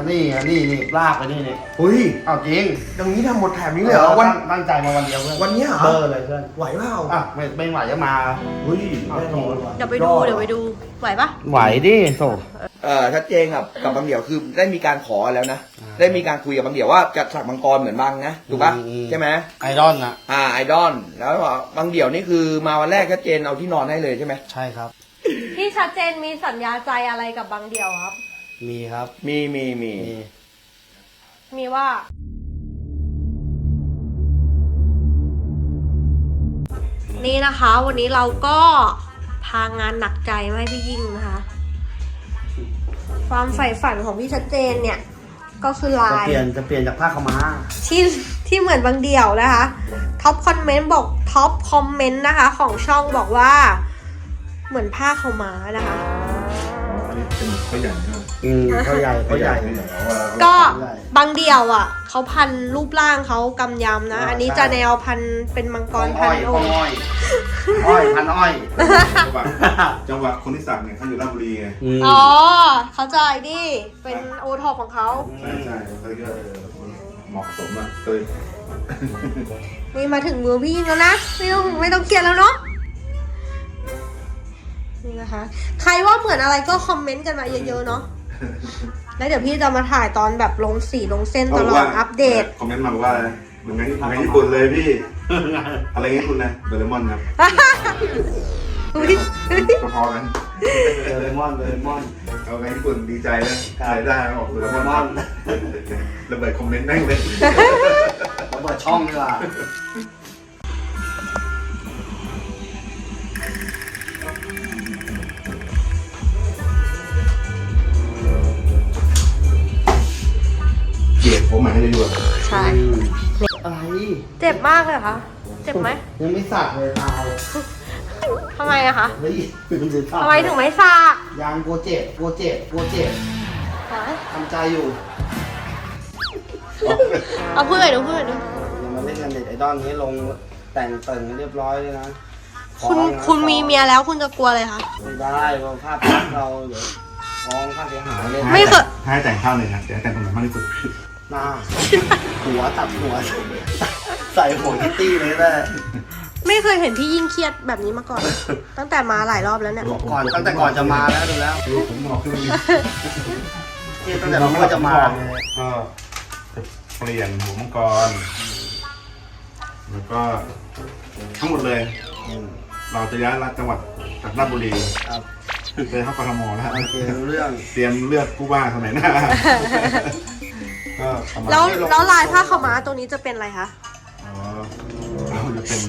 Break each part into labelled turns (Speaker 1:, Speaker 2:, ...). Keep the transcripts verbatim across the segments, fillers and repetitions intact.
Speaker 1: นี่นี่นี่ลากไปนี่นี่
Speaker 2: เฮ้ย
Speaker 1: เอาจริง
Speaker 2: อย่างนี้ทำหมดแถมนี้เลยเหรอวัน
Speaker 1: ตั้งใจมาวันเดียวเพื่อน
Speaker 2: วันนี้เหรอ
Speaker 1: เบอร์เลยเพื่อน
Speaker 2: ไหวเปล่า
Speaker 1: อ่ะไม่ไม่ไหวจะมา
Speaker 2: เฮ้ยแน่นอนว่ะ
Speaker 3: เดี๋ยวไปดูเดี๋ยวไปดูไหวปะ
Speaker 1: ไหวดิโซ
Speaker 2: เออชัดเจนครับกับบางเดี่ยวคือได้มีการขอแล้วนะได้มีการคุยกับบางเดี่ยวว่าจะสักมังกรเหมือนบางนะถูกปะใช่ไหม
Speaker 1: ไอดอลนะ
Speaker 2: อ่าไอดอลแล้วบางเดี่ยวนี่คือมาวันแรกชัดเจนเอาที่นอนให้เลยใช่ไหม
Speaker 1: ใช่ครับ
Speaker 3: พี่ชัดเจนมีสัญญาใจอะไรกับบางเดียวครับ
Speaker 1: มีครับ
Speaker 2: มีมีมี
Speaker 1: มี
Speaker 3: มีว่า นี่นะคะ วันนี้เราก็พางานหนักใจมาให้พี่ยิ่งนะคะ ความใฝ่ฝันของพี่ชัดเจนเนี่ย ก็คือลา
Speaker 1: จะ
Speaker 3: ย
Speaker 1: เปลี่ยนจะเปลี่ยนจากผ้าขาวม้า
Speaker 3: ที่ที่เหมือนบางเดี่ยวนะคะท็อปคอมเมนต์บอกท็อปคอมเมนต์นะคะ ของช่องบอกว่า เหมือนผ้าขาวม้านะคะ
Speaker 4: อันนี้เป็นเขาใหญ่ใช่ไหม
Speaker 1: อืมเขาใหญ่เขาใหญ่
Speaker 4: เขาใหญ่เพราะว่า
Speaker 3: ก็บางเดี่ยวอ่ะเขาพันรูปร่างเขากำยำนะ อันนี้จะแนวพันเป็นมังกรพั
Speaker 1: อ้
Speaker 3: น
Speaker 1: อย
Speaker 3: โอ
Speaker 1: อ้อยอ้อยพันอ้อย
Speaker 4: จังหวะจังหวะคนที่สั่งเนี่ยเขาอยู่ราชบุรีไง
Speaker 1: ม
Speaker 3: อ๋อ เข้าใจดิเป็นโอท็อปของเขา
Speaker 4: ใช่ใช่เขาก็เออเหมาะสมอ่ะเคย
Speaker 3: นี่มาถึงมือพี่ยิ่งแล้วนะ ไม่ต้องไม่ต้องเครียดแล้วเนาะนี่นะคะ ใครว่าเหมือนอะไรก็คอมเมนต์กันมาเยอะๆเนาะแล้วเดี๋ยวพี่จะมาถ่ายตอนแบบลงสีลงเส้นตลอดอัปเดต
Speaker 4: คอมเมนต์มาบอกว่าอะไรเหมือนไงเหมือนไงญี่ปุ่นเลยพี่ อะไรเงี้ยคุณนะเดลมอนครับ
Speaker 3: อุ๊ย
Speaker 4: ก็พอกัน
Speaker 1: เดเรมอนเดเรมอน
Speaker 4: เอาไงญี่ปุ่นดีใจนะขายได้ออกเดลมอนระเบิดคอมเมนต์แม่งเลย
Speaker 1: เราเปิดช่องดีกว่า
Speaker 4: เกลียดผมหมายให้เลยดีกว่า
Speaker 3: ใช่
Speaker 1: อะไร
Speaker 3: เจ็บมากเลยเหรอคะเจ็บไหม
Speaker 1: ยังไม่สักเลยตาย
Speaker 3: ทำไมอะคะ
Speaker 1: เฮ้ยมันจะสัก
Speaker 3: ทำไมถึงไม่สัก
Speaker 1: ยางโปรเจกต์โปรเจกต์โปรเจกต์ทำใจอยู่
Speaker 3: เอาพูดหน่อยดูพูดหน่อยดู
Speaker 1: อย่ามาเล่นกันเด็ดไอดอลนี้ลงแต่งเติ่งเรียบร้อยเลยนะ
Speaker 3: คุณ
Speaker 1: ฟ้องนะ
Speaker 3: คุณมีเมียแล้วคุณจะกลัวเลยคะ
Speaker 1: ไม่ได้เพราะภาพลักษณ์เราเดี๋ยวฟ้องค่าเสียหายเลย
Speaker 3: ไม่เคย
Speaker 4: ให้แต่งข้าวเลยนะแต่แต่งตรงไหนมากที่สุด
Speaker 1: หน้าหัวตัดหัว ใส่หัวคิตตี้เลยแม่
Speaker 3: ไม่เคยเห็นพี่ยิ่งเครียดแบบนี้มาก่อน ตั้งแต่มาหลายรอบแล้วเนี่ย
Speaker 1: ก่อนตั้งแต่ก่อนจะมาแล้วดูแล้ว
Speaker 4: ดูผมบอกขึ้นนี้
Speaker 1: ที่ตั้งแต่รู้ว่าจะมาเลย
Speaker 4: ก็จะเปลี่ยนหัวมังกร แล้วก็ทั้งหมดเลย
Speaker 1: อืม
Speaker 4: เราจะย้ายจังหวัดจากราชบุรี
Speaker 1: ครับ
Speaker 4: ไปเข้ากทมแล้ว
Speaker 1: โอเครู้เรื่อง
Speaker 4: เตรียมเลือกผู้ว่าสมัยหน้า ก็ประมาณ
Speaker 3: แล้วแล้วลายผ้าขาวม้าตรงนี้จะเป็นอะไรคะ
Speaker 4: อ๋อเราจะเป็น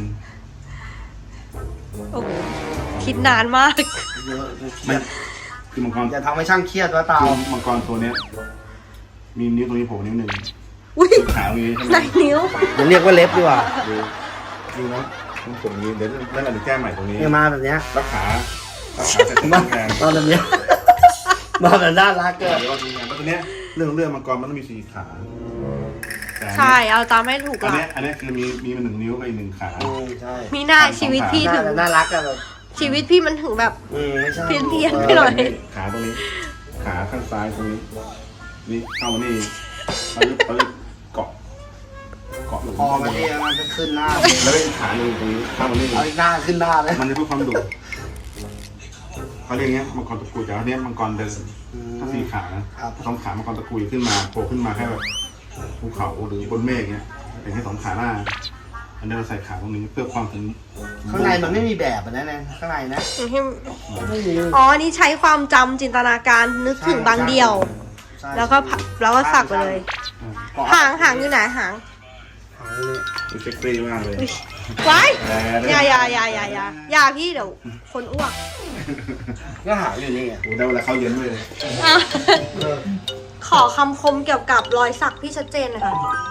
Speaker 3: โอ้โหคิดนานมาก
Speaker 1: เยอะ
Speaker 4: ไม่คือมังกร
Speaker 1: อย่าทำให้ช่างเครียดว่าเตา
Speaker 4: คือมังกรตัวเนี้ย มีนิ้วตรงนี้โผล่นิ้วหนึ่ง
Speaker 3: อุ้ย
Speaker 4: ขาตรงนี้ใช่ไห
Speaker 3: ไห
Speaker 4: ม
Speaker 3: นนิ้ว
Speaker 1: จะเรียกว่าเล็บดีกว่า
Speaker 4: ดูดูนะต้องตรงนี้เดี๋ยวนั่นแหละเดี๋ยวแก้ใหม่ตรงนี้
Speaker 1: เนี่ยมาแบบเนี้ย
Speaker 4: แล้วขาแล้วขาจะ
Speaker 1: มา
Speaker 4: ทำแทน
Speaker 1: มาแบบเนี้ยมาแบบน่ารักเกิน
Speaker 4: เดี๋ยวทีนี้เพราะตัวเนี้ยเรื่องเรื่องมังกรมันต้องมีสี่ขาแต่อัน
Speaker 3: ใช่
Speaker 4: เนี้ย
Speaker 3: เอาตามให้ถูกห
Speaker 4: อัน
Speaker 3: ลัก
Speaker 4: เนี้ยอันเนี้ยคือมีมีมันหนึ่งนิ้วกับอีกหนึ่งขา
Speaker 1: อืมใช่
Speaker 3: มีหน้าชีวิตพี่
Speaker 1: น่า
Speaker 3: ถึง
Speaker 1: น่ารักอะแบบ
Speaker 3: ชีวิตพี่มันถึงแบบ
Speaker 1: อืมไม่ใช่
Speaker 3: เพี้ยนเพี้ยน ไปหน่อย
Speaker 4: ขาตรงนี้ ขาข้างซ้ายตรงนี้ นี่เข้ามานี่ปลึกปลึกเกาะเกาะ
Speaker 1: พอมาที่มันจะขึ้นหน้า
Speaker 4: แล้วก็อีกขาหนึ่งตรงนี้เข้ามานี่
Speaker 1: เอาอีกหน้าขึ้นหน้าเลย
Speaker 4: มันจะเพื่อความดุเขาเรียกเงี้ยมังกรตะกุยแต่อันเนี้ยมังกรเดินถ้าสี่ขานะครับ สองขามังกรตะกุยขึ้นมาโผล่ขึ้นมาแค่แบบภูเขาหรือบนเมฆเงี้ยเป็นแค่สองขาหน้า อันนี้เราใส่ขาตรงนี้เพื่อความถึง
Speaker 1: ข้างในมันไม่มีแบบอะนะเนี่ยข้างในนะไม่มี
Speaker 3: อ๋อ นี่ใช้ความจำจินตนาการนึกถึงบางเดียว
Speaker 1: ใช่
Speaker 3: แล้วก็พัแล้วก็สักไปเลย หางหางอยู่ไหนหาง
Speaker 1: หางนี่
Speaker 4: มันเซ็กซี่มากเลย
Speaker 3: อุ๊ยไว้
Speaker 4: แต่
Speaker 3: อย่าอย่าอย่าอย่าอย่าอย่าพี่เดี๋ยวคนอ้วก
Speaker 1: ก็หางอยู่นี่ไง
Speaker 4: โอ้ได้เวลาเข้าเย็นเลย
Speaker 3: อ่ะขอคำคมเกี่ยวกับรอยสักพี่ชัดเจนหน่อยค่ะ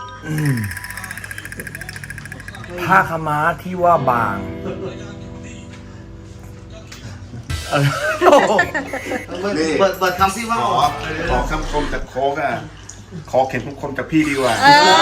Speaker 2: ผ้าขาวม้าที่ว่าบาง
Speaker 1: เปิดเปิดคำที่ว่า
Speaker 4: ขอขอคำคมจากโค้กอ่ะขอเข็มคมจากพี่ดีกว่า
Speaker 3: เออ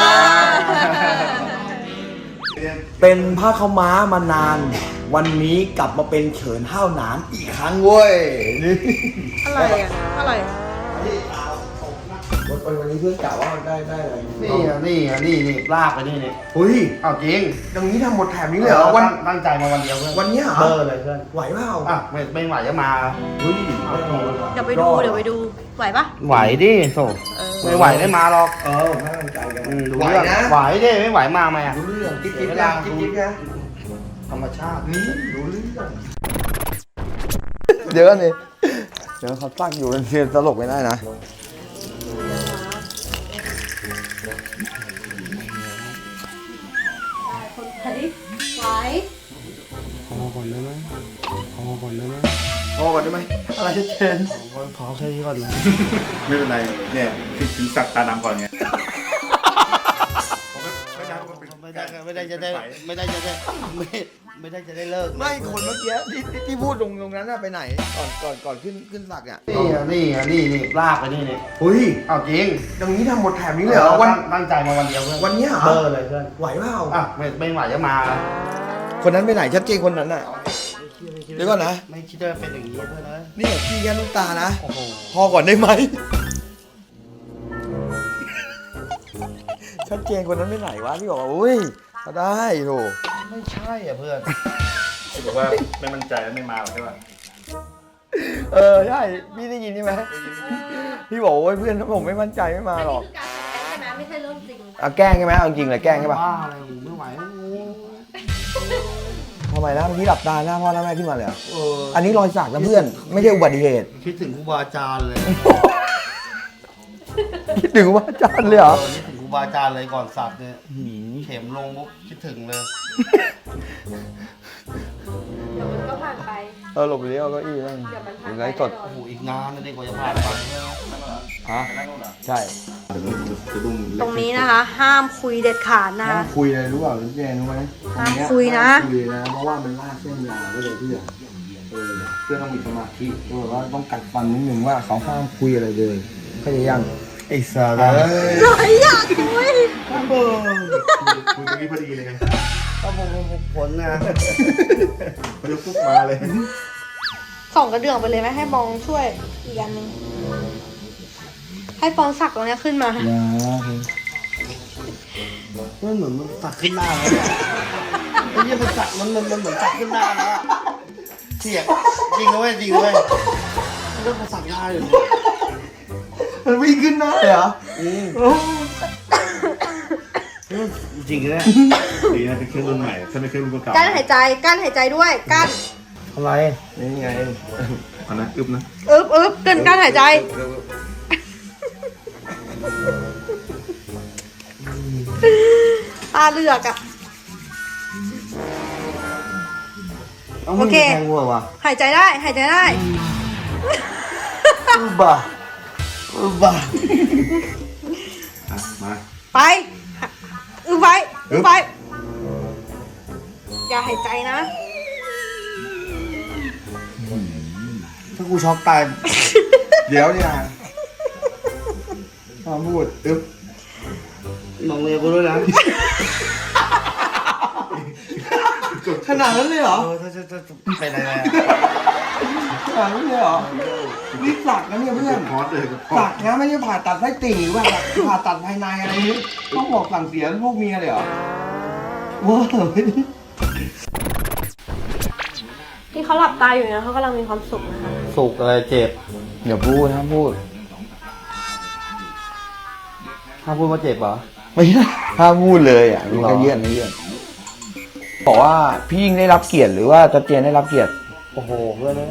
Speaker 2: เป็นผ้าขาวม้ามานาน วันนี้กลับมาเป็นเฉินห้าวหนานอีกครั้งเว้ยนี่
Speaker 3: อะไรอ่ะอะไรอ่ะ
Speaker 2: วันวันวันนี้เพื่อนกล่าวว่าได้ได้อะไร
Speaker 1: นี่อ่ะนี่อ่ะนี่นี่ลากไปนี่นี่
Speaker 2: เฮ้ย
Speaker 1: เอาจริง
Speaker 2: อย่างนี้ทำหมดแถบนี้เลยเหรอวัน
Speaker 1: ตั้งตั้งใจมาวันเดียวเพื่อน
Speaker 2: วันเนี้ยเหรอ
Speaker 1: เบอร์เลยเพื่อน
Speaker 2: ไหวเปล่า
Speaker 1: อ่ะไม่ไม่ไหวจะมา
Speaker 2: เฮ้ย
Speaker 3: เดี๋ยวไปดูเดี๋ยวไปดูไหวปะ
Speaker 1: ไหวดิโซ
Speaker 3: เออ
Speaker 1: ไม่ไหวได้มาหรอก
Speaker 2: เออผมให้กำลังใจกัน
Speaker 1: อืมรู้
Speaker 2: ไหว
Speaker 1: เรื่อง
Speaker 2: นะ
Speaker 1: ไหวดิไม่ไหวมาไหมอ่ะ
Speaker 2: รู้เรื่องจิ๊บจิ๊บนะจิ๊บจิ๊บนะ
Speaker 1: ธรรมชาติ
Speaker 2: นี่รู้เรื่องเดี๋ยวนี่เดี๋ยวเขาตั้งอยู่เป็นเพียงตลกไม่ได้นะ
Speaker 3: คนไหวไหว
Speaker 1: พอก่อนได้ไหมพอก่อนได้ไหม
Speaker 2: พอก่อนได้ไหมอะไรเชน
Speaker 1: พอแค่นี้ก่อนนะ
Speaker 4: ไม่เป็นไรเนี่ยคิดถึงสักตาดำก่อนไง
Speaker 1: ไม่ได้ไม่ได้จะได้ไม่ได้จะได้ไม่ไม่ได้จะได้เลิก
Speaker 2: ไม่คนเมื่อกี้ที่ที่ที่พูดตรงตรงนั้นน่ะไปไหนก่อนก่อนก่อนขึ้นขึ้นสักอ่ะ
Speaker 1: นี่อ่ะนี่อ่ะนี่นี่ลากไปนี่นี่
Speaker 2: เฮ้ย
Speaker 1: เอาจริง
Speaker 2: อย่างนี้ทำหมดแถบนี้เลยเหรอวัน
Speaker 1: ตั้งตั้งใจมาวันเดียวเพื่อน
Speaker 2: วันเนี้ยเหรอ
Speaker 1: เบอร์เลยเพื่อน
Speaker 2: ไหวเปล่า
Speaker 1: อ่ะไม่ไม่ไหวจะมา
Speaker 2: คนนั้นไปไหนชัดเจนคนนั้นน่ะ เดี๋ยวก่อนนะ
Speaker 1: ไม่คิดว่าเป็นอย่างนี้เพื่อนนะ
Speaker 2: นี่พี่แค่ลูกตานะ
Speaker 1: โอ้โห
Speaker 2: พอก่อนได้ไหมชัดเจนคนนั้นไปไหนวะพี่บอกว่าอุ้ยก็ได้โถ
Speaker 1: ไม่ใช่อ่ะเพื่อน
Speaker 4: ที่บอกว่าไม่มั่นใจแล้วไม่มาหรอกใช่ป่ะ
Speaker 2: เออใช่พี่ได้ยินใช่ไหมพี่บอกว่าเพื่อนผมไม่มั่นใจไม่มา
Speaker 3: อัน
Speaker 2: หร
Speaker 3: นี้
Speaker 2: อก
Speaker 3: คือการแสดงใช่ไหมไม่ใช่เรื่องจริง
Speaker 2: เอาแกล้งใช่ไหมเอาจริงเลยแกล้งใช่ปะ
Speaker 1: บ้าอะไรกูไม่ไหวแล้วกู
Speaker 2: ทำไมนะเมื่อกี้หลับตาหน้าพ่อหน้าแม่ขึ้นมาเลยเหรอ
Speaker 1: เออ
Speaker 2: อันนี้รอยสักนะเพื่อนไม่ใช่อุบัติเหตุ
Speaker 1: คิดถึงครูบาอาจารย์เลย
Speaker 2: คิดถึงว่าอาจารย์เลยเหรอ
Speaker 1: เออคิดถึงครูบาอาจารย์เลยก่อนสักเนี่ยเข็มลงปุ๊บคิดถึงเลย
Speaker 3: เดี๋ยวมันก็ผ่านไป
Speaker 2: เออหลบเลี้ยวก็อี้นั่ง
Speaker 3: เดี๋ยวมันผ่าน
Speaker 2: ถึง
Speaker 3: ไป
Speaker 2: ไรสด
Speaker 3: แน่นอน
Speaker 1: โอ้โหอีกนานนะเด็กกว่าจะผ่านไปเนี่ย
Speaker 2: ฮะใช่
Speaker 4: จะดุ้ง
Speaker 3: ตรงนี้นะคะ ห้ามคุยเด็ดขาดนะ
Speaker 2: ห้าม
Speaker 3: คะ
Speaker 2: คุยเลยรู้เปล่าพี่แจนรู้ไหม
Speaker 3: ห้ามคุยนะ
Speaker 2: ห้ามคุยนะเพราะว่ามันลากเส้นยาวก็เลยเพื่อนเออเพื่อนต้องมีสมาธิก็แบบว่าต้องกัดฟันนิดนึงว่าเขาห้ามคุยอะไรเลยเข้าใจยัง
Speaker 1: ไอ้สา
Speaker 2: เอ
Speaker 1: ระ
Speaker 2: อ
Speaker 3: หน่อยอยากคุย
Speaker 4: คุยตรงนี้พอดีเลยไง
Speaker 1: ก็ผมผมผลนะ
Speaker 4: พอดีปุ๊บมาเลย
Speaker 3: ส่องกระเดื่องไปเลยไหมให้บองช่วยอีกอันหนึงให้ฟองสักตรงเนี้ยขึ้นมา
Speaker 2: อย่า
Speaker 1: มันเหมือนมันสักขึ้นหน้าแล้วอะไอ้ยี่มันสักมันมันมันเหมือนสักขึ้นหน้าแล้วอะเสียงจริงนะเว้ยจริงนะเว้ยมันก็มาสักหน้าอยู่
Speaker 2: มันวิ่งขึ้นหน้าเลยเหรอ
Speaker 1: อืมจริงเลย
Speaker 4: ดีนะเป็นเครื่องรุ่นใหม่ถ้าไม่เครื่องรุ่นเก่า
Speaker 3: กั้นหายใจกั้นหายใจด้วยกั้น
Speaker 1: อะไร
Speaker 2: นี่ไง
Speaker 4: อันนั้นอึบนะ
Speaker 3: อึบอึบกั้นกั้นหายใจตาเลือกอะ
Speaker 1: เอามือ
Speaker 3: โอเค
Speaker 1: แทงวัววะ
Speaker 3: หายใจได้หายใจได้
Speaker 1: อือบ้าอือบ้า
Speaker 4: อ่ะมา
Speaker 3: ไปอึบไว้อึบไว้อย่าหายใจนะ
Speaker 2: ถ้ากูช็อกตาย เดี๋ยวเนี่ยห้ามพูดอึ๊บ
Speaker 1: มองเมียกูด้วยนะ
Speaker 2: ขนาดนั้นเลยเหรอ
Speaker 1: เออถ้าจะจะเป็นอะไรอะ
Speaker 2: ขนาดนั้นเลยเหรอนี่สักนะเนี่ยเพื่อน
Speaker 4: พอดเลยกับพอ
Speaker 2: สั
Speaker 4: ด
Speaker 2: กนะไม่ใช่ผ่าตัดไส้ติ่งหรือว่าผ่าตัดภายในอะไรนี้ต้องบอกสั่งเสียพวกเมียเลยเหรอว้าว
Speaker 3: ที่เขาหลับตาอยู่เนี่ยเขากำลังมีความสุขนะคะ
Speaker 1: สุกอะไรเจ็บ
Speaker 2: เดี๋ยวพูดห้ามพูด
Speaker 1: ถ้าพูดว่าเจ็บเหรอ
Speaker 2: ไม่ใช่ห้ามพูดเลยอ่ะมันก็เยื่อนไม่เยื่อนบอกว่าพี่ยิ่งได้รับเกียรติหรือว่าจัดเจนได้รับเกียรติ
Speaker 1: โอ้โหเพื่อนเลย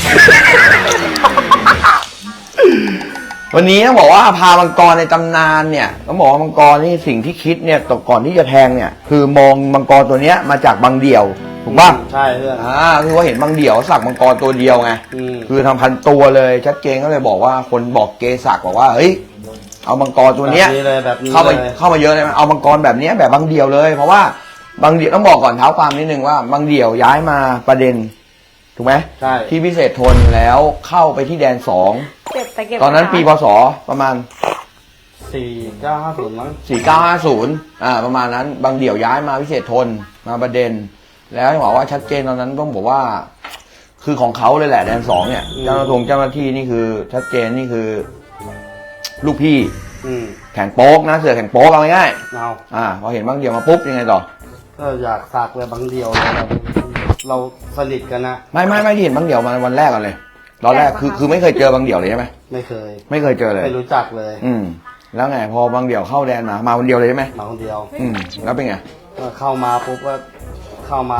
Speaker 2: วันนี้ต้องบอกว่าพามังกรในตำนานเนี่ยต้องบอกว่ามังกรนี่สิ่งที่คิดเนี่ยตก่อนที่จะแทงเนี่ย คือมองมังกรตัวเนี้ยมาจากบางเดี่ยวถูกป่ะ
Speaker 1: ใช่เพื่อน
Speaker 2: อ่าคือว่าเห็นบางเดี่ยวสักมังกรตัวเดียวไง
Speaker 1: อืม
Speaker 2: คือทำพันตัวเลยชัดเจนก็เลยบอกว่าคนบอกเกศักดิ์บอกว่าเฮ้ยเอามังกรตัวเนี้ย
Speaker 1: แบบนี้เลยแบบนี้
Speaker 2: เข้ามา
Speaker 1: เลย
Speaker 2: เข้ามาเยอะเลยเอามังกรแบบเนี้ยแบบบางเดี่ยวเลย เพราะว่าบางเดี่ยวต้องบอกก่อนเท้าความนิดนึงว่าบางเดี่ยวย้ายมาประเด็นถูกไหม
Speaker 1: ใช่
Speaker 2: ที่พิเศษทนแล้วเข้าไปที่แดนสอง
Speaker 3: เก็บไปเก็บ
Speaker 2: ตอนนั้นปีพศประมาณ
Speaker 1: สี่เก้าห้าศูนย์มั้ง
Speaker 2: สี่เก้าห้าศูนย์อ่าประมาณนั้นบางเดี่ยวย้ายมาพิเศษทนมาประเด็น แล้วบอกว่าชัดเจนตอนนั้นต้องบอกว่า คือของเขาเลยแหละแดนสองเนี่ยเจ้าหน้าที่เจ้าหน้าที่นี่คือชัดเจนนี่คือ ลูกพี่
Speaker 1: อืม
Speaker 2: แข่งโป๊กนะเสือแข่งโป๊กเอาง่าย
Speaker 1: เอา
Speaker 2: ๆอ่าพอเห็นบางเดี่ยวมาปุ๊บยังไงต่อ
Speaker 1: ก็อยากสักเลยบางเดียวเลยเราเราสนิทกันนะ
Speaker 2: ไม่ไม่ไม่ที่เห็นบางเดี่ยวมาวันแรกก่อนเลยตอนแรกคือคือไม่เคยเจอบางเดี่ยวเลยใช่ไหม
Speaker 1: ไม่เคย
Speaker 2: ไม่เคยเจอเลย
Speaker 1: ไม่รู้จักเลย
Speaker 2: อืมแล้วไงพอบางเดี่ยวเข้าแดนมามาคนเดียวเลยใช่ไหม
Speaker 1: มาคนเดียว
Speaker 2: อืมแล้วเป็นไง
Speaker 1: ก็เข้ามาปุ๊บก็เข้ามา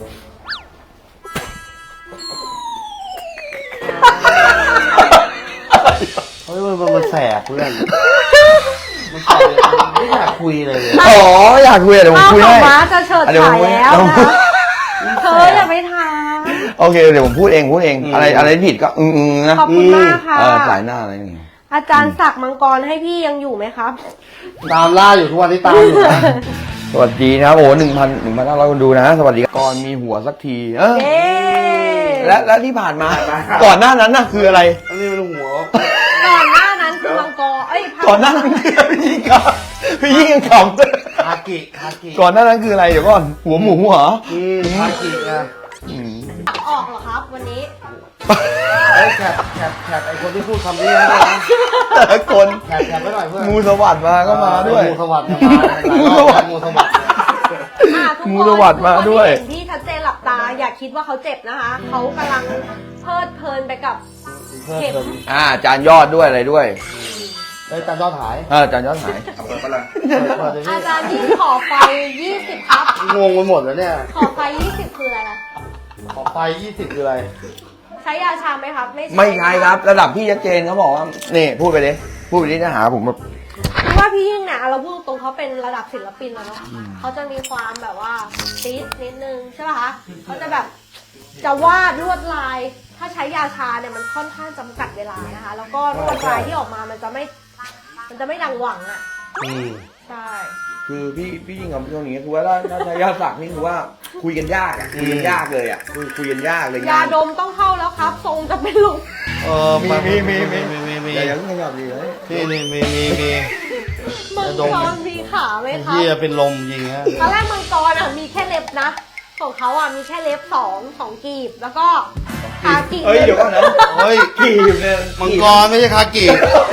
Speaker 1: เฮ้ยมันมันแสบเพื่อนมันแสบไม่อยากคุยเลย
Speaker 2: อ๋ออยากคุยอะเดี๋ยวผม
Speaker 3: อ้าว
Speaker 2: คุย
Speaker 3: ขอ
Speaker 2: ให้
Speaker 3: งม้าจะเฉิด
Speaker 2: อ่ะเดี๋ยว
Speaker 3: ฉา
Speaker 2: ผม
Speaker 3: ย
Speaker 2: คุย
Speaker 3: แล้ว
Speaker 2: เดี๋ยวผม
Speaker 3: นะเธออย่าไปถาม
Speaker 2: โอเคเดี๋ยวผมพูดเองพูดเองอะไรอะไรผิดก็อืมๆนะ
Speaker 3: ขอบคุณมากค่ะ
Speaker 2: เออสายหน้าอะไรอย่างเงี้ย
Speaker 3: อาจารย์ศักดิ์มังกรให้พี่ยังอยู่ไหมครับ
Speaker 1: ตามล่าอยู่ทุกวันที่ตามอยู่นะ
Speaker 2: สวัสดีนะครับโอ้หนึ่งพันหนึ่งพันห้าร้อยคนดูนะสวัสดีก่อนมีหัวสักทีเออ
Speaker 3: เย้
Speaker 2: และและที่ผ่านมาก่อนหน้านั้นน่ะคืออะไร
Speaker 1: อันนี้มันหัว
Speaker 3: ก่อนหน้านั้นคือมังกรเอ้ยพระ
Speaker 2: ก่อนหน้านั้นคืออะไรพี่ยิ่งขำพี่ยิ่งยังขำเลย
Speaker 1: คากิคากิ
Speaker 2: ก่อนหน้านั้นคืออะไรเดี๋ยวก่อนหัวหมูเหรอ
Speaker 1: อืมคากินะ
Speaker 2: อืม
Speaker 3: ออกเหรอครับ วันนี้
Speaker 1: ไอ้แคบแคบแคบไอ้คนที่พูดคำนี้นะ
Speaker 2: แต่ละคน
Speaker 1: แคบแคบไปหน่อยเพื่อน
Speaker 2: งูสวัสดิ์มาก็มาด้วย
Speaker 1: งูสวัสดิ์มา
Speaker 2: งูสวัสดิ์
Speaker 1: งูสวัสดิ์
Speaker 3: อ่ะทุกคน
Speaker 2: งูสวัสดิ์มาด้วย
Speaker 3: ทุกคนที่เห็นพี่ชัดเจนหลับตา อย่าคิดว่าเขาเจ็บนะคะ เขากำลังเพลิดเพลินไปกับ
Speaker 1: เพิ่ม
Speaker 3: เข็ม
Speaker 1: เติม
Speaker 2: อ่าจานยอดด้วยอะไรด้วย
Speaker 1: ไอ้ยจานยอดหาย
Speaker 2: เออจานยอดหาย
Speaker 4: เอาเปิดปะล่ะ
Speaker 1: เปิดเลย
Speaker 3: อา
Speaker 1: พี่
Speaker 3: จารย์ที่ขอไฟยี่สิบครับ
Speaker 1: งงไปหมดแล้วเนี่ย
Speaker 3: ขอไฟยี่สิบคืออะไรนะ
Speaker 1: ขอไฟยี่สิบคืออะไร
Speaker 3: ใช้ยาชาไหมครับ ไม่
Speaker 2: ไม่ใช่ครับ ระดับพี่ชัดเจนเขาบอกว่านี่พูดไปเลยพูดไปดิจะหาผมแบบ
Speaker 3: คือว่าพี่ยิ่งเนี่ยเราพูดตรงเขาเป็นระดับศิลปินแล้วเนาะเขาจะมีความแบบว่าติสนิดนึงใช่ป่ะคะเขาจะแบบจะวาดลวดลาย ถ้าใช้ยาชาเนี่ยมันค่อนข้างจำกัดเวลานะคะ แล้วก็ลวดลายที่ออกมามันจะไม่ มันจะไม่ดังหวังอ่ะ
Speaker 1: อืม
Speaker 3: ใช่
Speaker 2: คือพี่พี่ยิ่งกับช่วงนี้คือว่าถ้าถ้าใช้ยาสักนี่คือว่าคุยกันยากอ่ะคุยกันยากเลยอ่ะคุยคุยกันยากเลย
Speaker 3: ยาดมต้องเข้าแล้วครับ ทรงจะเป็นลม
Speaker 1: เออ
Speaker 2: มีมีมีมี
Speaker 1: มีมีมี
Speaker 2: อย่าอย่าเพิ่งขยับดีเลย
Speaker 1: พี่นี่มีมีมี
Speaker 3: มัง
Speaker 1: ยาดม
Speaker 3: กรมีขาไหมครับ
Speaker 1: พี่จะเป็นลมยิงฮะ
Speaker 3: ตอนแรกมังกรอ่ะมีแค่เล็บนะ ของเขาอ่ะมีแค่เล็บสองสองกีบ แล้วก็ขากิ่ง
Speaker 2: เอ้ยเดี๋ยวก่อนนะ
Speaker 1: เฮ้ย
Speaker 2: กีบเนี่ย
Speaker 1: มังกรไม่ใช่คากิ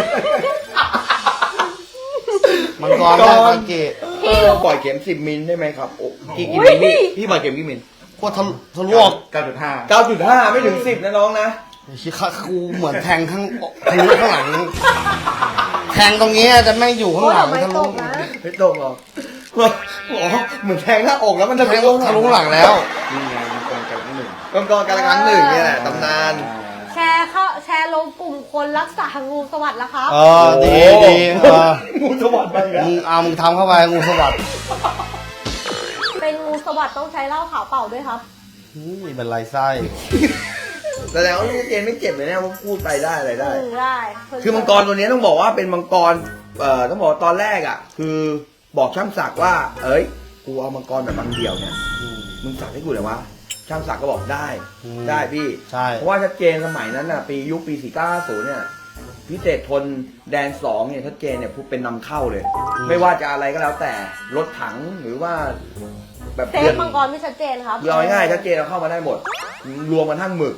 Speaker 1: มังกรไม่ใช่คากิ
Speaker 2: เออปล่อยเข็มสิบมิลได้ไหมครับโอ้กี่กี่มิลพี่พี่ปล่อยเข็มกี่มิล
Speaker 1: โคตรทะทะลวก
Speaker 4: เก้าจุดห้า
Speaker 2: เก้าจุดห้าไม่ถึงสิบนะน้องนะ
Speaker 1: ชี้ขากูเหมือนแทงข้างทะลุข้างหลัง แทงตรงนี้จะแม่งอยู่ข้าง
Speaker 3: โอ้
Speaker 1: หลัง
Speaker 3: ไม่
Speaker 1: ทะ
Speaker 3: ต
Speaker 1: ลุ
Speaker 3: กนะ
Speaker 2: ไม่ตรงหรออ๋อเหมือนแทงหน้าอกแล้วมัน
Speaker 1: แท
Speaker 2: จะ
Speaker 1: ง
Speaker 2: ไป
Speaker 1: ทะลุข้างหลังแล้ว
Speaker 4: นี่ไงมันกองกันหนึ่ง
Speaker 2: กองกองการละครั้งหนึ่งเนี่ยแหละตำนาน
Speaker 3: แชร์เข้าแชร์ลงกลุ่มคนรักษางูสวัสดิ์แล้วครับ
Speaker 1: เออดีดีเออ
Speaker 2: งูสวัสดิ์ไปแล้ว
Speaker 1: มึงเอามึงทำเข้าไปงูสวัสดิ์
Speaker 3: เป็นงูสวัสดิ์ต้องใช้เหล้าขาวเปล่าด้วยครับ
Speaker 1: นี่เป็นไรไส้
Speaker 2: แต่แล้วาเจนไม่เจ็บเลยเนี่ยว่าพูดไปได้อะไรได้
Speaker 3: อืมได้
Speaker 2: คือมังกรตัวนี้ต้องบอกว่าเป็นมังกร เอ่อต้องบอกว่าตอนแรกอ่ะ คือบอกช่างศักดิ์ว่า เอ้ย กูเอามังกรแบบบางเดียวเนี่ย มึงสักให้กูเลยวะ ช่างศักดิ์ก็บอกได้ ได้พี่
Speaker 1: ใช่
Speaker 2: เพราะว่าชัดเจนสมัยนั้นน่ะ ปียุคปีสี่เก้าศูนย์เนี่ย พิเศษทนแดนสองเนี่ยชัดเจนเนี่ยพูดเป็นนำเข้าเลย ไม่ว่าจะอะไรก็แล้วแต่ รถถังหรือว่าแบบ
Speaker 3: เซฟมังกรไม่ชัดเจนครับ
Speaker 2: คือเอาง่ายๆชัดเจนเอาเข้ามาได้หมด รวมกันทั้งหมึก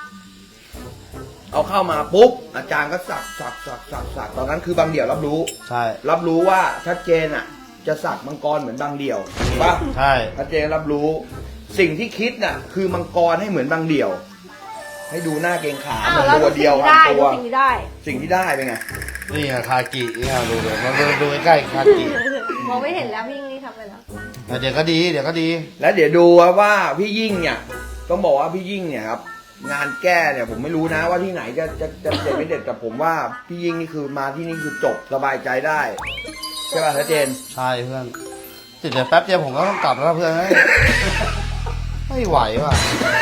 Speaker 2: เอาเข้ามาปุ๊บอาจารย์ก็สักสักสักสักสักตอนนั้นคือบางเดี่ยวรับรู้
Speaker 1: ใช่
Speaker 2: รับรู้ว่าชัดเจนอ่ะ จะสักมังกรเหมือนบางเดี่ยวถูกปะ
Speaker 1: ใช่
Speaker 2: ชัดเจนรับรู้ สิ่งที่คิดน่ะ คือมังกรให้เหมือนบางเดี่ยว ให้ดูหน้าเกรงขา
Speaker 3: อ้า
Speaker 2: เหมื
Speaker 3: ว
Speaker 2: อน
Speaker 3: แล้ว
Speaker 2: ตั
Speaker 3: ดู
Speaker 2: ว
Speaker 3: สิ่
Speaker 2: เดียว
Speaker 3: งที่
Speaker 2: พัน
Speaker 3: ได้
Speaker 2: ตั
Speaker 3: ดู
Speaker 2: ว
Speaker 3: สิ่งที่ได้
Speaker 2: สิ่งที่ได้เป็นไง
Speaker 1: นี่ไงคากินี่ดูเลยมาดูดูใกล้ๆคากิ
Speaker 3: มองไม่เห็นแล้วพี่ยิ่งนี่ทำไปแล้ว
Speaker 1: แต่เดี๋ยวก็ดีเดี๋ยวก็ดี
Speaker 2: แล้วเดี๋ยวดูว่าพี่ยิ่งเนี่ยต้องบอกว่าพี่ยิ่งเนี่ยครับ งานแก้เนี่ยผมไม่รู้นะว่าที่ไหนจะจะจะเด็ดไม่เด็ดแต่ผมว่าพี่ยิ่งนี่คือมาที่นี่คือจบสบายใจได้ใช่ป่ะชัดเจน
Speaker 1: ใช่เพื่อนติดเดี๋ยวแป๊บเดียวผมก็ต้องกลับแล้วเพื่อนเฮ้ยไม่ไหวว่ะ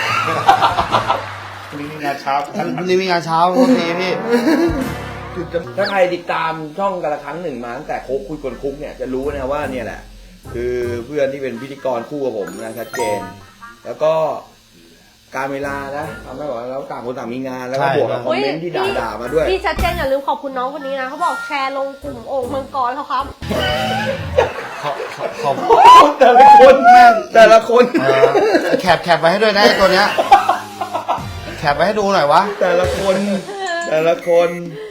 Speaker 4: วันนี้มีงานเช้า
Speaker 1: วันนี้มีงานเช้าโทษทีพี่
Speaker 2: คือจะถ้าใครติดตามช่องกันละครั้งหนึ่งมาตั้งแต่โคกคุยกลคุกเนี่ยจะรู้นะว่าเนี่ยแหละ คือเพื่อนที่เป็นพิธีกรคู่กับผมนะชัดเจน แล้วก็การเวลานะทำให้บอกว่าแล้วต่างคนต่างมีงานแล้วก็
Speaker 1: ใช่
Speaker 2: บวกกับคอมเมนต์ที่ด่าด่าๆมาด้วย
Speaker 3: พี่ชัดเจนอย่าลืมขอบคุณน้องคนนี้นะเขาบอกแชร์ลงกลุ่มโอ่งมังกรเขาครับ
Speaker 1: ขอขอขอบ
Speaker 2: แต่ละคนแม่งแต่ละคน
Speaker 1: เออแคปแคปไว้ให้ด้วยนะไอ้ตัวเนี้ยแคปไว้ให้ดูหน่อยวะ
Speaker 2: แต่ละคนแต่ละคนที่รู้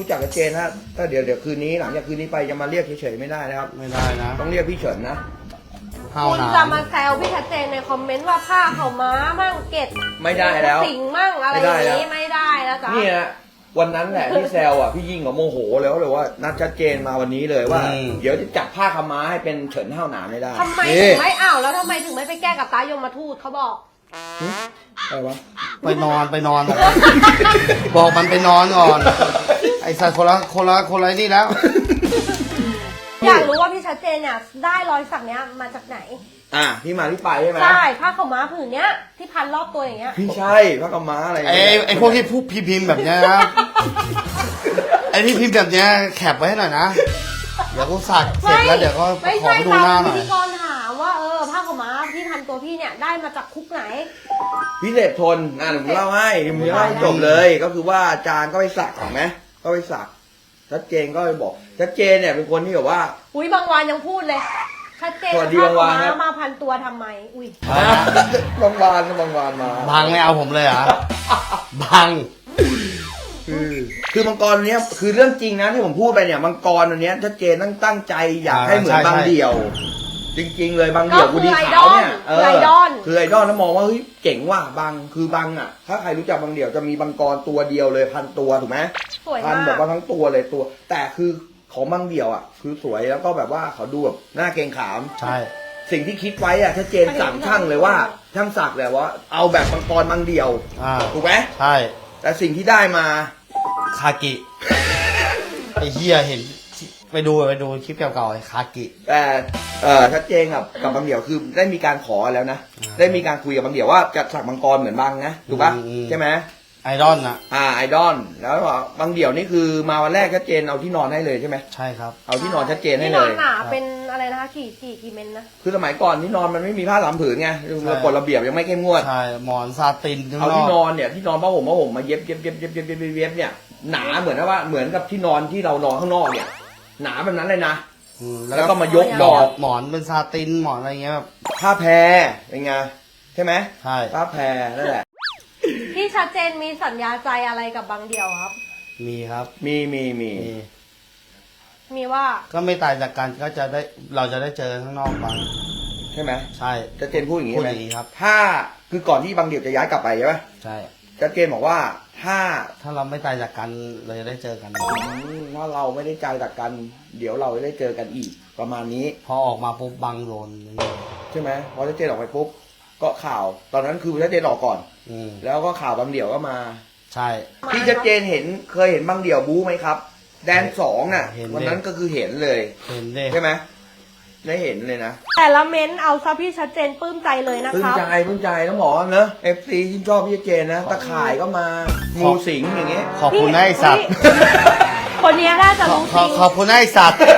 Speaker 2: รู้จักกับเจนฮะถ้าเดี๋ยวเดี๋ยวคืนนี้หลังจากคืนนี้ไปจะมาเรียกเฉยๆไม่ได้นะครับ
Speaker 1: ไม่ได้นะ
Speaker 2: ต้องเรียกพี่เฉินนะ
Speaker 1: ห้าว
Speaker 3: คุณ
Speaker 1: หนา
Speaker 3: จะมาแซวพี่ชัดเจนในคอมเมนต์ว่าผ้าเข่าม้ามั่งเกต
Speaker 2: ไม่ได้แล้ว
Speaker 3: สิงมั่งอะไรอย่างนี้ไม่ได้แล้วจ้ะ
Speaker 2: นี่นะวันนั้นแหละที่แซวอ่ะพี่ยิ่งกับโมโหแล้วเลยว่านัดชัดเจนมาวันนี้เลยว่า เดี๋ยวจะจัดผ้าขาวม้าให้เป็นเฉินห้าวหนามไม่ได้
Speaker 3: ทำไมถึงไม่อ้าวแล้วทำไมถึงไม่ไปแก้กับตายมทูตเขาบอก
Speaker 2: อะไรวะ
Speaker 1: ไปนอนไปนอน บอกมันไปนอนก่อน ไอ้สัตว์คนละคนละคนละนี่แล้ว
Speaker 3: อยากรู้ว่าพี่ชัดเจนเนี่ยได้รอยสักเนี้ยมาจากไหน
Speaker 2: อ่ะที่มาที่ไปใช่ไหม
Speaker 3: ใช่ผ้าขาวม้าผืนเนี้ยที่พันรอบตัวอย่างเงี้ย
Speaker 2: พี่ใช่ผ้าขาวม้าอะไร
Speaker 1: ไอ้ไอ้พวกที่พูดพิมพ์แบบเนี้ยนะ ไอ้ที่พิมพ์แบบเนี้ยแคปไว้ให้หน่อยนะ เดี๋ยวกูสักเสร็จแล้วเดี๋ยวก็
Speaker 3: ไม่
Speaker 1: ขอ
Speaker 3: ใช่
Speaker 1: ไปดู
Speaker 3: ตา
Speaker 1: หน้าม หน่
Speaker 3: พิ
Speaker 1: อย
Speaker 3: ธีกรถามว่าเออผ้าขาวม้าที่พันตัวพี่เนี่ยได้มาจากคุกไหน
Speaker 2: พิเศษทนอ่ะเดี๋ยวผมเล่าให้ผมเล่าให้จบเลย ก็คือว่าอาจารย์ก็ไปสักถูกไหมก็ไปสักชัดเจนก็ไปบอกชัดเจนเนี่ยเป็นคนที่แบบว่า
Speaker 3: อุ้ยบางวันยังพูดเลยชัดเจน
Speaker 2: สวัสดี
Speaker 3: ผ้า
Speaker 2: บางวั
Speaker 3: ขาน ว
Speaker 2: ครั
Speaker 3: ม้า
Speaker 2: บ
Speaker 3: มาพันตัวทำไมอุ้ย
Speaker 2: บางวานบางวานมา
Speaker 1: บังไม่เอาผมเลยเหรอบัง
Speaker 2: คือคือมังกรเนี้ยคือเรื่องจริงนะที่ผมพูดไปเนี่ยมังกรตัวเนี้ยชัดเจนตั้งตั้งใจอยากให้เหมือนบางเดี่ยว จริง ๆ เลยบางเดี่ยวกูดีขาวเนี่ย
Speaker 3: คือไอดอล
Speaker 2: คือไอดอลแล้วมองว่าเฮ้ยเจ๋งว่ะบางคือบางอ่ะถ้าใครรู้จักบางเดี่ยวจะมีบางกรตัวเดียวเลยพันตัวถูกไหม
Speaker 3: สวย
Speaker 2: พั
Speaker 3: มาน ก
Speaker 2: แบบว่าทั้งตัวเลยตัว แต่คือของบางเดี่ยวอ่ะคือสวยแล้วก็แบบว่าเขาดูแบบหน้าเกรงขาม
Speaker 1: ใช่
Speaker 2: สิ่งที่คิดไว้อ่ะชัดเจนสั่งช่างเลยว่าช่างสักเลยว่าเอาแบบมังกรบางเดี่ยว
Speaker 1: อ่า
Speaker 2: ถูกไหม
Speaker 1: ใช่
Speaker 2: แต่สิ่งที่ได้มา
Speaker 1: คากิ ไอ้เหี้ยเห็นไปดูไปดูคลิปเก่าๆไอ้คากิ
Speaker 2: แต่เออชัดเจนกับกับบางเดี่ยวคือได้มีการขอแล้วนะ
Speaker 1: อ่า
Speaker 2: ได้มีการคุยกับบางเดี่ยวว่าจะสักมังกรเหมือนบางนะถูกปะ
Speaker 1: อืมอืม
Speaker 2: ใช่ไหม
Speaker 1: ไอดอลน่ะ
Speaker 2: อ่าไอดอลแล้วบางเดี่ยวนี่คือมาวันแรกชัดเจนเอาที่นอนให้เลยใช่ไหม
Speaker 1: ใช่ครับ
Speaker 2: เอาที่นอนชัดเจนให้
Speaker 3: ที่
Speaker 2: เล
Speaker 3: นอน
Speaker 2: ย
Speaker 3: หนาเป็นอะไรนะคะกี่กี่กี่เมนนะ
Speaker 2: คือสมัยก่อนที่นอนมันไม่มีผ้าสามผืนไงกฎระเบียบยังไม่เข้มงวด
Speaker 1: ใช่ หมอนซาตินข้าง
Speaker 2: เอา
Speaker 1: น
Speaker 2: ที่น
Speaker 1: อก
Speaker 2: อนเนี่ยที่นอนผ้าห่มผ้าห่มมาเย็บเย็บเย็บเย็บเย็บเย็บเย็บเย็บเนี่ยหนาเหมือนว่าเหมือนกับที่นอนที่เรานอนข้างนอกเนี่ย หนาแบบนั้นเลยนะ
Speaker 1: อืม
Speaker 2: แล้วก็มายก
Speaker 1: หม
Speaker 2: ด
Speaker 1: อ
Speaker 2: อน ก
Speaker 1: หมอนเป็นซาตินหมอนอะไรเงี้ยแบบ
Speaker 2: ผ้าแพรเป็นไงใช่ไหม
Speaker 1: ใช่
Speaker 2: ผ้าแพรนั่นแหละ
Speaker 3: พี่ชัดเจนมีสัญญาใจอะไรกับบางเดียวครับ
Speaker 1: มีครับ
Speaker 2: มีมีมี
Speaker 1: มี
Speaker 3: มีว่า
Speaker 1: ก็ไม่ตายจากกันก็จะได้เราจะได้เจอข้างนอกบ้าง
Speaker 2: ใช่ไหม
Speaker 1: ใช่
Speaker 2: ชัดเจนพูดอย่างนี้
Speaker 1: พูด
Speaker 2: ไหม
Speaker 1: อย่างนี้ครับ
Speaker 2: ถ้าคือก่อนที่บางเดี่ยวจะย้ายกลับไปใช่ไหม
Speaker 1: ใช่
Speaker 2: ชัดเจนบอกว่าถ้า
Speaker 1: ถ้าเราไม่ตายจากกันเราจะได้เจอกัน
Speaker 2: อืมถ้าเราไม่ได้ใจจากกัน เดี๋ยวเราจะได้เจอกันอีกประมาณนี้
Speaker 1: พอออกมาปุ๊บบังโดนอย่างนี้
Speaker 2: ใช่ไหมพอชัดเจนออกไปปุ๊บก็ข่าว ตอนนั้นคือชัดเจนออกก่อน
Speaker 1: อืม
Speaker 2: แล้วก็ข่าวบางเดี่ยวก็มา
Speaker 1: ใช่
Speaker 2: พี่ชัดเจนเห็นเคยเห็นบางเดี่ยวบู๊ไหมครับ แดนสองน่ะ
Speaker 1: เห็นดิ
Speaker 2: วันนั้นก็คือเห็นเลย
Speaker 1: เห็นดิ
Speaker 2: ใช่ไหมได้เห็นเลยนะ
Speaker 3: แต่ละเม้นเอาซะพี่ชัดเจนปลื้มใจเลยนะ
Speaker 2: พึ่
Speaker 3: ค
Speaker 2: ง
Speaker 3: รับ
Speaker 2: ใจพึ่งใจต้องบอกว่าเนอะเอฟซีที่ชอบพี่ชัดเจนนะตะข่ายก็มางูสิงอย่างเงี้ย
Speaker 1: ขอบคุณนะไอสัตว์
Speaker 3: คนเนี้ยน่าจะรู้
Speaker 1: ข
Speaker 3: จ
Speaker 1: อ
Speaker 3: ริง
Speaker 1: ขอบคุณนะไอสัตว์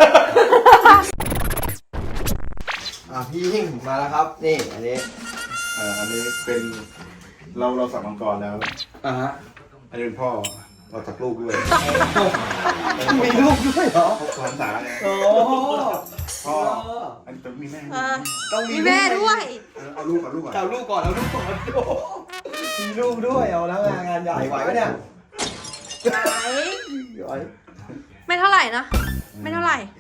Speaker 2: อ่ะพี่ยิ่งมาแล้วครับ นี่อันนี้
Speaker 4: อ่าอันนี้เป็นเราเราสักมังกรแล้ว
Speaker 2: อ่าฮะ
Speaker 4: อันนี้เป็นพ่อเราสักลูกด้วย
Speaker 2: มีลูกด้วยเหรอ
Speaker 4: พ่อพันษาเนี่ย
Speaker 2: โอ้
Speaker 4: พ่ออันนี้ต้องมีแม่
Speaker 3: อ่า
Speaker 2: ต้องมี
Speaker 3: มีแม่ด้วย
Speaker 4: เออเอาลูกก่อนลูกก่อน
Speaker 2: เอาลูกก่อนเอาลูกก่อนโอ้มีลูกด้วยเอาแล้วงานงานใหญ่ไหวปะเนี่ย
Speaker 3: ไหน
Speaker 2: ไหว
Speaker 3: ไม่เท่าไหร่นะ ไม่เท่าไหร่